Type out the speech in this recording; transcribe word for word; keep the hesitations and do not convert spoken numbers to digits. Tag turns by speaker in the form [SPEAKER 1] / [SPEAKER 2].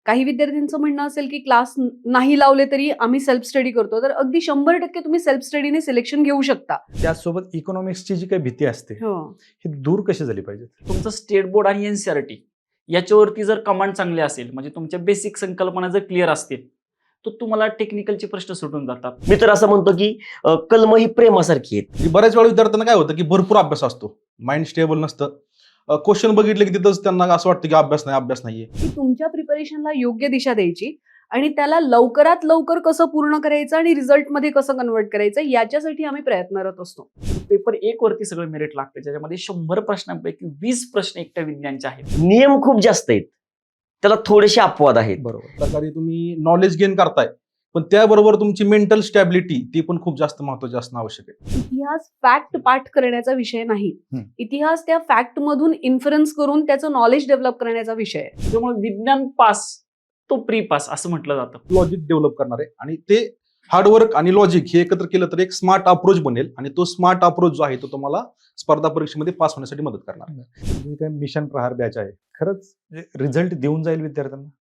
[SPEAKER 1] काही विद्यार्थ्यांचं म्हणणं असेल की क्लास नाही लावले तरी आम्ही सेल्फ स्टडी करतो, तर अगदी शंभर टक्के तुम्ही सेल्फ स्टडीने सिलेक्शन घेऊ शकता.
[SPEAKER 2] त्याचसोबत इकॉनॉमिक्सची जी काही भीती असते
[SPEAKER 1] हो.
[SPEAKER 2] ही दूर कशी झाली पाहिजे?
[SPEAKER 3] तुमचं स्टेट बोर्ड आणि एनसीआरटी याच्यावरती जर कमांड चांगले असेल, म्हणजे तुमच्या बेसिक संकल्पना जर क्लिअर असतील, तर तुम्हाला टेक्निकलचे प्रश्न सुटून जातात.
[SPEAKER 4] मी तर असं म्हणतो की अ, कलम ही प्रेमासारखी आहेत.
[SPEAKER 5] बऱ्याच वेळा विद्यार्थ्यांना काय होतं की भरपूर अभ्यास असतो, माइंड स्टेबल नसतं, क्वेश्चन बघितले की तिथंच त्यांना असं वाटतं की अभ्यास नाही अभ्यास नाहीये.
[SPEAKER 1] की तुमच्या प्रिपरेशनला योग्य दिशा द्यायची आणि त्याला लवकरात लवकर कसं पूर्ण करायचं आणि रिझल्टमध्ये कसं कन्वर्ट करायचं याच्यासाठी आम्ही प्रयत्नरत असतो.
[SPEAKER 3] पेपर एक वरती सगळं मेरिट लागतं, ज्याच्यामध्ये शंभर प्रश्नांपैकी वीस प्रश्न एकट्या विज्ञानचे आहेत.
[SPEAKER 4] नियम खूप जास्त आहेत, त्याला थोडेसे अपवाद आहेत.
[SPEAKER 2] बरोबर.
[SPEAKER 5] प्रकारे तुम्ही नॉलेज गेन करताय, पण त्याबरोबर तुमची मेंटल स्टॅबिलिटी ती पण खूप जास्त महत्वाची असणं आवश्यक आहे.
[SPEAKER 1] इतिहास फॅक्ट पाठ करण्याचा विषय नाही.
[SPEAKER 2] हम्म.
[SPEAKER 1] इतिहास त्या फॅक्ट मधून इन्फरन्स करून त्याचं नॉलेज डेव्हलप करण्याचा विषय आहे.
[SPEAKER 3] त्यामुळे विज्ञान पास तो प्री पास असं म्हटलं जातं.
[SPEAKER 5] लॉजिक डेव्हलप करणार आहे आणि ते हार्डवर्क आणि लॉजिक हे एकत्र केलं तर एक स्मार्ट अप्रोच बनेल आणि तो स्मार्ट अप्रोच जो आहे तो तुम्हाला स्पर्धा परीक्षेमध्ये पास होण्यासाठी मदत करणार.
[SPEAKER 2] जी काही मिशन प्रहार बॅच आहे खरंच रिझल्ट देऊन जाईल विद्यार्थ्यांना.